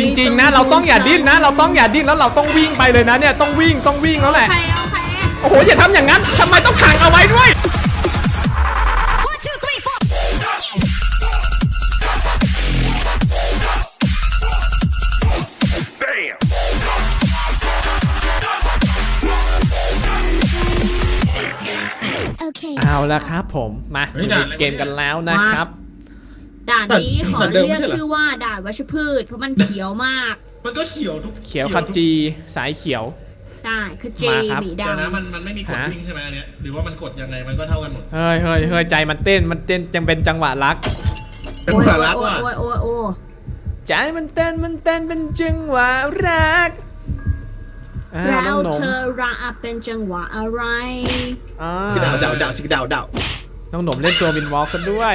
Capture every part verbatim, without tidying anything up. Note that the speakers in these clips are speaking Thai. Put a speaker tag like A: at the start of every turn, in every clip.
A: จริงๆนะเราต้องอย่าดิ้นนะเราต้องอย่าดิ้นแล้วเราต้องวิ่งไปเลยนะเนี่ยต้องวิ่งต้องวิ่งแล้วแหละโอ้โหอย่าทำอย่างนั้นทำไมต้องขังเอาไว้ด้วยเอาละครับผมมาเกมกันแล้วนะครับ
B: ด่านนี้ขอเรียกชื่อว่าด่านวัชพืชเพราะมันเขียวมาก
C: มันก็เขียวทุก
A: เขียวขจีสายเขียว
B: ได้คือเจหมีดำ
C: เดี๋ยวนะมันมันไม่มีกดวิ่งใช่ไหมอันเนี้ยหรือว่ามันกดยังไงมันก็เท่ากันหมด
A: เฮ้ยเฮ้ยเฮ้ยใจมันเต้นมันเต้นยังเป็นจังหวะรัก
B: จังหวะรักว่ะโอ้ยโอ้ยโอ้ย
A: ใจมันเต้นมันเต้นเป็นจังหวะรัก
B: แล้วเธอรักเป็นจังหวะอะไร
D: ดาวดาวดาวชิคดาวดาว
A: น้องหนมเล่นตัววินวอล์กซะด้วย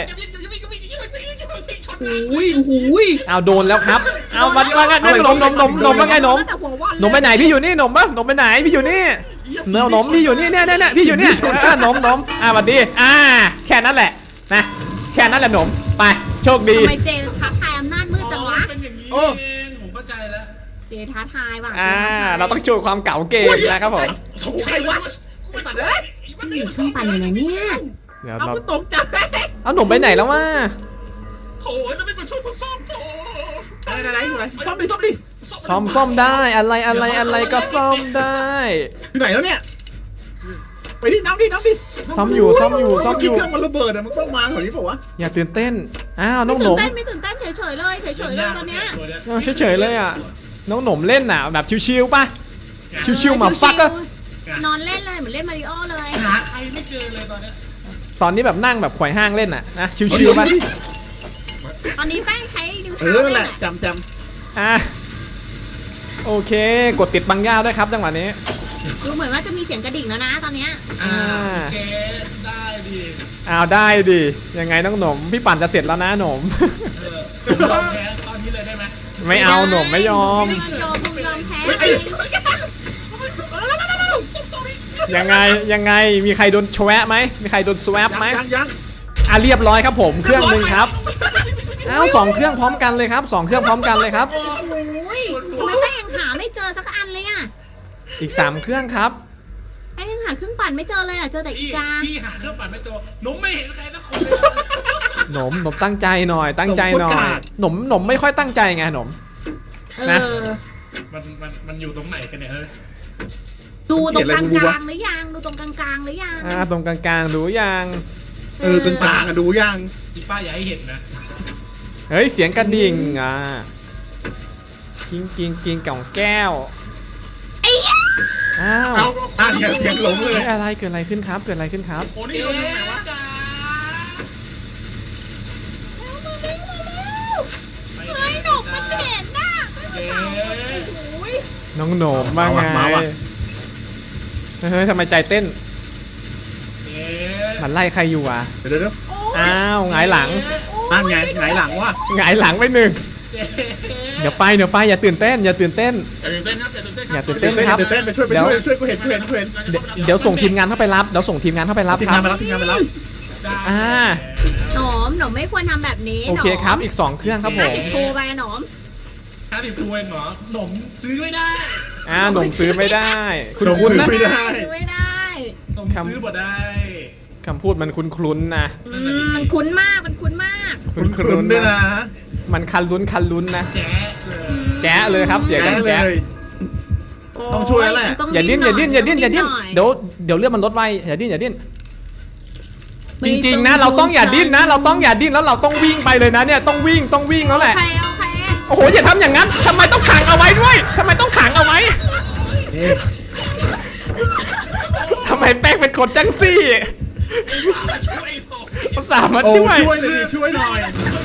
B: อุ้ยอุ้ย
A: เอาโดนแล้วครับเอามาว่าไงหนมหนมหนมหนมว่าไงหนมหนมไปไหนพี่อยู่นี่หนมปะหนมไปไหนพี่อยู่นี่เนื้อหนมพี่อยู่นี่เนี่ยเนี่ยพี่อยู่นี่หนมหนมอ่าสวัสดีอ่าแค่นั้นแหละนะแค่นั้นแหละหนมไปโชคดี
B: ทำไมเจท้าทายอำนาจมืดจังวะ
C: เป็นอย่างนี้เองผมเข้าใจแล้ว
B: เจท้าทายว่ะ
A: อ่าเราต้องโชว์ความเก๋าเกมนะครับผม
C: ใครวะ
B: อยู่ข้างปั่นอยู่ไหนเนี่ย
A: เดี๋ยวเราตกใจเอาหนุ่มไปไหนแล้ววะ
C: โถ่แล้วไม่มาช่วยกูซ่อมโถ่
D: อะไรอะไรอะไรซ่อมดิซ่อมดิ
A: ซ่อมซ่อมได้อะไรอะไรอะไรก็ซ่อมได้
D: อยู่ไหนแล้วเนี่ยไปดิน้ำดิน้ำดิ
A: ซ่อมอยู่ซ่อมอยู่ซ่อมอยู่
D: เครื่องมันระเบิดอะมันต้องมาแถวนี้เปล่าวะ
A: อย่าตื่นเต้นอ้าวน้องหนม
B: ไม่ตื่นเต้นเฉยๆเลยเฉยๆเลยตอนเนี้ย
A: เฉยๆเลยอ่ะน้องหนมเล่นน่ะแบบชิวๆป่ะชิวๆมาฟักก็
B: นอนเล่นเลยเหมือนเล่นมาริโอเลย
C: หาใครไม่เจอเลยตอนนี้
A: ตอนนี้แบบนั่งแบบขวายห้างเล่นน่ะนะชิวๆป่ะ
B: ตอนนี้แป้งใช้นิ้วเท้า
D: เออแหละจำจ
A: ำอ่ะโอเคกดติดบังย่าด้วยครับจังหวะนี้
B: ดูเหมือนว่าจะมีเสียงกระดิ่งแล้วนะตอนเนี้ย
C: อ่าเจได้ดิ
A: อ้าวได้ดิยังไงน้องหนมพี่ปั่นจะเสร็จแล้วนะหนม
C: ผมยอมแพ้ตอนนี้เลยได้ไหม
A: ไม่เอาหนมไม่ยอม
B: ยอมยอมแพ้
A: ยังไงยังไงมีใครโดนแชวะไหมมีใครโดนสวปไหม
D: ยังยัง
A: อ่ะเรียบร้อยครับผมเครื่องหนึ่งครับอ้าวสองเครื่องพร้อมกันเลยครับสองเครื่องพร้อมกันเลยครับ
B: โอ้ยทำไมแป้งยังหาไม่เจอสักอันเลยอ่ะ
A: อีกสามเครื่องครับ
B: แป้งยังหาเครื่องปั่นไม่เจอเลยอ่ะเจอแต่อีกา
C: พี่หาเครื่องปั่นไม่เจอหนมไม่เห็นใครสักคน
A: หนมหนมตั้งใจหน่อยตั้งใจหน่อยหนมหนมไม่ค่อยตั้งใจไงหนม
B: นะ
C: มันมันมันอยู่ตรงไหนกันเนี่ยเฮ้ย
B: ดูตรงกลางกลางหรือยังดูตรงกลางกลางหรือยัง
A: อ่าตรงกลางกลางดูยัง
D: เออตรงกลางอะดูยัง
C: พี่ป้าอย่าให้เห็นนะ
A: เฮ้ยเสียงกระดิ่งอ่ะกิ้งกิ้งกิ้งกล่องแก้วอ้าว
D: อ่าเสียงเสียงหลงเลย
A: อะไรเกิดอะไรขึ้นครับเกิดอะไรขึ้นครับ
C: โอ้นี่ลงตรงไหนวะจ้า
B: เฮ้ยหนมมันเห็นน่ะ
A: น้องหนมมาไงเฮ้ยทำไมใจเต้นมันไล่ใครอยู่อ่ะ
D: เดี๋ยวเดี๋ยว
A: อ้าวหงายหลัง
D: นั่นไงหงายหลังวะ
A: หงายหลังไปหนึ่งเดี๋ยวไปเดี๋ยวไปอย่าตื่นเต้นอย่าตื่นเต้น
C: อย่าตื่น
A: เต้นครับ
D: อย่าตื่นเต้นครับไปช่วยไปช่วยช่วยกูเห็นกูเห็นกูเห็น
A: เดี๋ยวส่งทีมงานเข้าไปรับเดี๋ยวส่งทีมงานเข้าไปรับครับ
D: ทีมงานไปรับทีมงานไปรับ
A: อ่า
B: หนมหนมไม่ควรทำแบบนี้
A: โอเคครับอีกสองเครื่องครับผม
B: ห้าสิบทูไปหนม
C: ห้าสิบทูเองเหรอหนมซื้อไม่ได้
A: อ่าหนมซื้อไม่ได้คุณคุณนะ
B: ซื้อไม่ได้
C: หนมซื้อบ่ได้
A: คำพูดมันคุ้นคุ้นนะ
B: มันคุ้นมากมันคุ้นมาก
A: คุ้นคุ้นด้วยนะมันคันลุ้นคันลุ้นนะ
C: แจ๊เลย
A: แจ๊เลยครับเสียกันแจ๊
D: ต้องช่วยแหละ
A: อย่าดิ้นอย่าดิ้นอย่าดิ้นอย่าดิ้นเดี๋ยวเดี๋ยวเลือดมันลดไวอย่าดิ้นอย่าดิ้นจริงๆนะเราต้องอย่าดิ้นนะเราต้องอย่าดิ้นแล้วเราต้องวิ่งไปเลยนะเนี่ยต้องวิ่งต้องวิ่งแล้วแหละโอ้โหอย่าทำอย่างนั้นทำไมต้องขังเอาไว้ด้วยทำไมต้องขังเอาไว้ทำไมแป้งเป็นคนจังซี่ภาษามาช่วย
D: ช่วยเลยช่วยหน่อย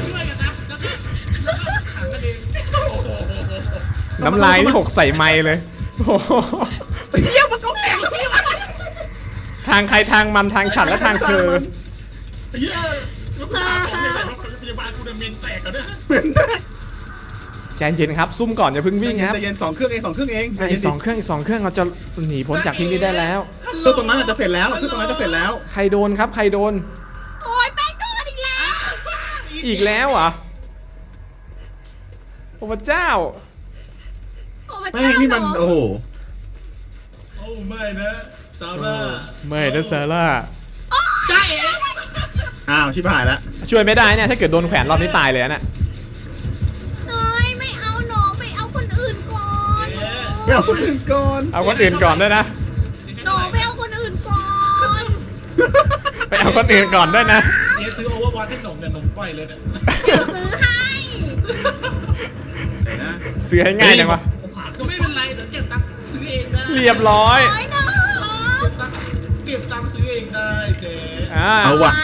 A: น้ำลายนี่หกใส่ไม้เลย
D: เยี่ยมมันก็แตก
A: ทางใครทางมันทางฉันและทางเธอ
C: เยี่ยมพยาบาลกูเมนแตกกันเนี่ย
A: ใจเย็นครับซุ่มก่อนอย่าเพิ่งวิ่งครับ
D: ใจเย็นสองเครื่องเองสองเครื่องเอง
A: อีกสองเครื่องอีกสองเครื่องเราจะหนีพ้นจากที่นี่ได้แล้ว
D: เครื่องตรงนั้นจะเสร็จแล้วเครื่องตรงนั้นจะเสร็จแล้ว
A: ใครโดนครับใครโดน
B: โอ้ยแป้งโดนอีกแล้ว
A: อีกแล้วเหรอโอ้พระเจ้า
B: โอ้พระ
D: ไม่
B: เจ้า
D: นี่มัน
B: ห
D: โอ้โห
C: โอ้ไม่นะซาร่า
A: ไม่นะซาร่า
C: ได้เอง
D: อ้าวชิบหายแล้ว
A: ช่วยไม่ได้เนี่ยถ้าเกิดโดนแขวนรอบนี้ตายเลยนะ
B: เฮ้ยไม่เอาหนองไปเอาคนอื่นก่อน
D: เดี๋ยวคนอื่นก่อน
A: เอาคนอื่นก่อนด้วยนะ
B: หนองไปเอาคนอื่นก่อน
A: ไปเอาคนอื่นก่อนด้วยนะ
C: เจ๊ซื้อโอเวอร์วอทให้หนมเนี่ยหนมปล่อยเลยเนี่ย
B: เดี๋ยวซื้อให้
D: เดี๋ยวนะ
A: ซื้อให้ง่ายจังวะ
C: ผมหาก็ไม่เป็นไรเดี๋ยวเก็บตังค์ซื้อเองได้
A: เรียบร้อย
B: โอ้ยหนอง
C: เก็บตังค์เก็บตังค์ซื้อเองได้เจ๊
A: อ่า
D: เอาว่ะ
B: ไป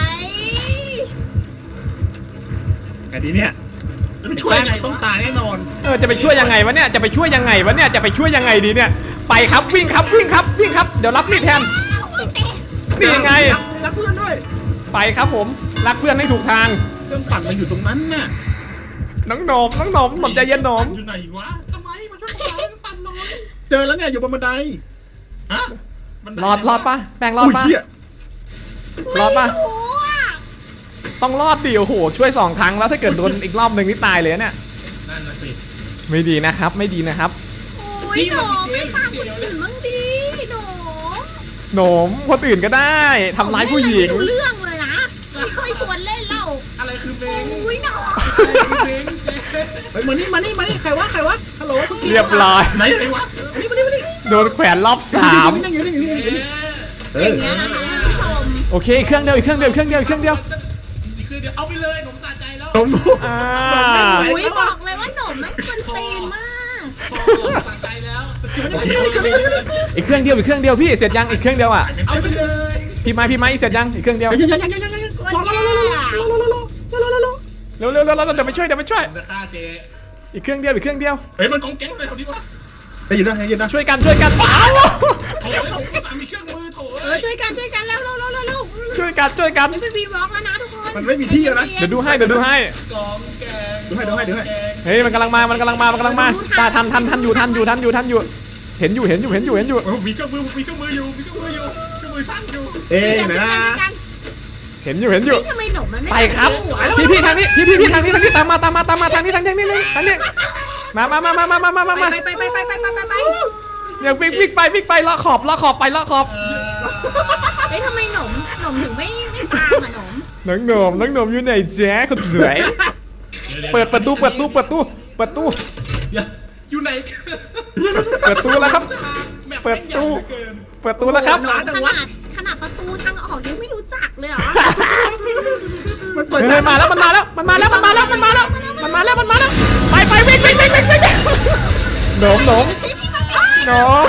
D: ไอ้นี้เนี่ย
C: จะไปช่วยไง
D: ต้องตายแน่นอน
A: เออจะไปช่วยยังไงวะเนี่ยจะไปช่วยยังไงวะเนี่ยจะไปช่วยยังไงดีเนี่ยไปครับวิ่งครับวิ่งครับวิ่งครับเดี๋ยวรับมีดแทน
B: โอ้ยเตะ
A: นี่ยังไง
D: รักรักเพื่อนด้วย
A: ไปครับผมรักเพื่อนให้ถูกทาง
D: เครื่องปั่นมันอยู่ตรงนั้นน่ะ
A: น้องหนมน้องหนมหนมใจเย็นหนม
C: อยู่ไหนวะทำไมมันช่วยปั่นหน่อย
D: เจอแล้วเนี่ยอยู่บนบันได
C: ฮะมัน
A: รอดรอดปะแปลงรอดปะ
D: ยเหี้ย
A: รอดปะ
B: ไม่รู้อะ
A: ต้องรอดดิโอ้โหช่วยสองครั้งแล้วถ้าเกิดโดนอีกรอบหนึ่งนี่ตายเลยเนี่ย
C: นั่นน่ะสิ
A: ไม่ดีนะครับไม่ดีนะครับ
B: โอ้ยหนองไม่ฟังคนอื่นบ้างดีหนอง
A: หนมคนอื่นก็ได้ทำร้ายผู้หญิง
B: ไม่รู้เรื่องเลยนะไม่ค่อยชวนเล่นเล่า
C: อะไรคือเมง
B: โอ้ยหนอง
C: อะไรคือเมงเจ๊
D: เฮ้ยมานี่มานี่มานี่ใครวะใครวะฮัลโหลมื่อกี้
A: เรียบร้อย
C: ไหนไหนวะ
D: มานี่มานี่มานี่
A: โดนแขวนรอบสาม
D: นั่งอยู่นี่อยู่นี่อยู่
C: เอ๊
D: นี่
C: ะ
D: เอ
B: อ
D: อย่าง
B: เงี้ยนะคะท่านผู้ชม
A: โอเคอีกเครื่องเดียวอีกเครื่องเดียวอีกเครื่องเดียวอีกเครื่องเดียว
C: นี่คือเดี๋ยวเอาไปเลยหนมสะใจแล้ว
D: ตรงนู้น
A: อ่า
B: อุ้ยบอกเลยว่าหนมแม่งคนตีนมาก
C: พอสะใจแล้ว
A: โอเคอีกเครื่องเดียวอีกเครื่องเดียวพี่เสร็จยังอีกเครื่องเดียวอ่ะ
C: เอาไปเลย
A: พี่ไม้พี่ไม้เสร็จยังอีกเครื่องเดียว
D: ยังยังยังยังยังยัง
B: คน
D: รอรอ
B: แย่
D: รอรอรอรอรอรอรอรอรอรอ
A: เร็วเร็วเร็วเร็วเดี๋ยวไปช่วยเดี๋ยวไปช่วย
C: จะฆ่าเจ๊
A: อีกเครื่องเดียวอีกเครื่องเดียว
C: เฮ้ยมันกองแก๊งอะไรเขาดีวะ
D: ได้ยินนะได้ยินนะ
A: ช่วยกันช่วยกันเอ้า
C: โถ่สามีเครื่องมือโถ่
B: เออช่วยกันช่วยกันแล้วเร็วเร็วเร็วเร็ว
A: ช่วยกันช่วยกัน
B: ไม่เป็นวีบล็อกแล้วนะทุกคน
D: มันไม่มีที่แล้วนะ
A: เดี๋ยวดูให้เดี๋ยวดูให้
C: กองแกง
D: ดูให้ดูให้ดูให้
A: เฮ้ยมันกำลังมามันกำลังมามันกำลังมาตาทันทันทันอยู่ทันอยู่ทันอยู่ทันอยู่เห็นอยู่เห็นอยู่เห็นอยู่เห็นอยู่
C: มีเครื่องมือมีเครื่องมืออยู่มีเครื่องมืออยู่เครื่องมือช่างอยู่
D: เอ้ย
B: ช่วย
D: นะ
B: กัน
A: เห็นอยู่เห็นอยู่
B: เฮ้ยทำไมหนมมันไม่
A: ไปครับพี่พี่ทางนี้พี่พี่พี่ทางนี้ทางนี้ตามมาตามมาตามมาทางนี้ทางนี้ทางนี้ทางนี้มามามามามามามามามา
B: ไปไปไปไปไปไปไปไป
A: เดี๋ยววิ่งวิ่งไปวิ่งไปเลาะขอบเลาะขอบไปเลาะขอบ
C: เออ
B: เฮ้ยทำไมหนมหนมถึงไม่ไม่ตามอ่ะหนม
A: น้องหนมน้องหนมอยู่ไหนแจ๊คนสวยเปิดประตูเปิดตู้เปิดตู้เปิดตู้
C: เดี๋ยวอยู่ไหน
A: เปิดตู้แล้วครับ เปิดตู้ เปิดตู้แล้วครับ
B: หนมขนาดขนาดประตูทางออกยังไม่รู้จักเลยเหรอ
D: มันเปิด
A: เฮ้ยมาแล้วมันมาแล้วมันมาแล้วมันมาแล้วมันมาแล้วมันมาแล้วมันมาแล้วไปไปวิ่งวิ่งวิ่งวิ่งวิ่งหนมหนมหนม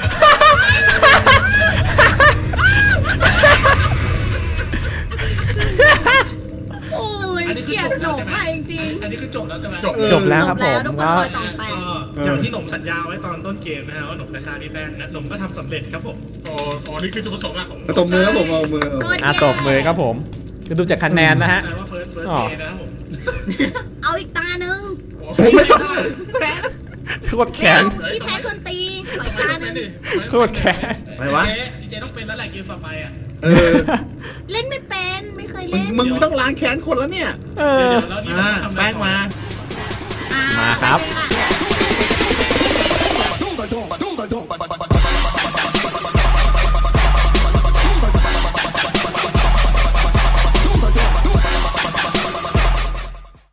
B: โอ้ย
C: อันนี้
B: เก
C: คือ
B: ลีย
C: จ
B: ด
C: บ
B: หน
C: แล้ว
B: ม
C: ใช่ไหม
B: ไปจริง
C: อันนี้คือจบแล้วใช่ไหม
A: จบแล้วครับผม
B: ทุกคน
A: ก็
B: รอยต่อไป
C: ก็อย่างที่หนมสัญญาไว้ตอนต้นเกมนะฮะว่าหนมจะฆ่าพี่แป้งนะหนมก็ทำสำเร็จครับผมอ๋ออ๋อนี่คือจุดประสงค์หลักของ
D: ตบมือครับผมเอามือ
B: โคตร
A: อ่ะ
B: แย่
A: ตบมือครับผมจะดูจากคะแนนนะฮะ
C: แต่ว่าเฟิร์สเฟิร์ส
A: อ๋อ
C: เนะครับผม
B: เอาอีกตาหนึ่ง
D: ผมไม่ต้อง
A: โคตรแข
B: เร็
A: น
B: วพี่แพ้ชวนตีปล่อยตาหนึ่ง
A: โคตรแค้น
D: ไปวะ
C: เจ๊เจ๊ต้องเป็นแล้วแหละเกมต่อไปอ่ะ
D: เออ
B: เล่นไม่เป็นไม่เคย
D: มึง
B: เล่น
D: มึงต้องล้างแค้นคนแล้วเนี่ย
A: เอ
C: เดี๋
A: อ
C: ยวแล้วนี่
D: อ่า
C: ทำอะไร
D: แป้ง
C: ต่อ
D: มา
B: อ่
A: มาครับ
B: ไปเลยค่ะ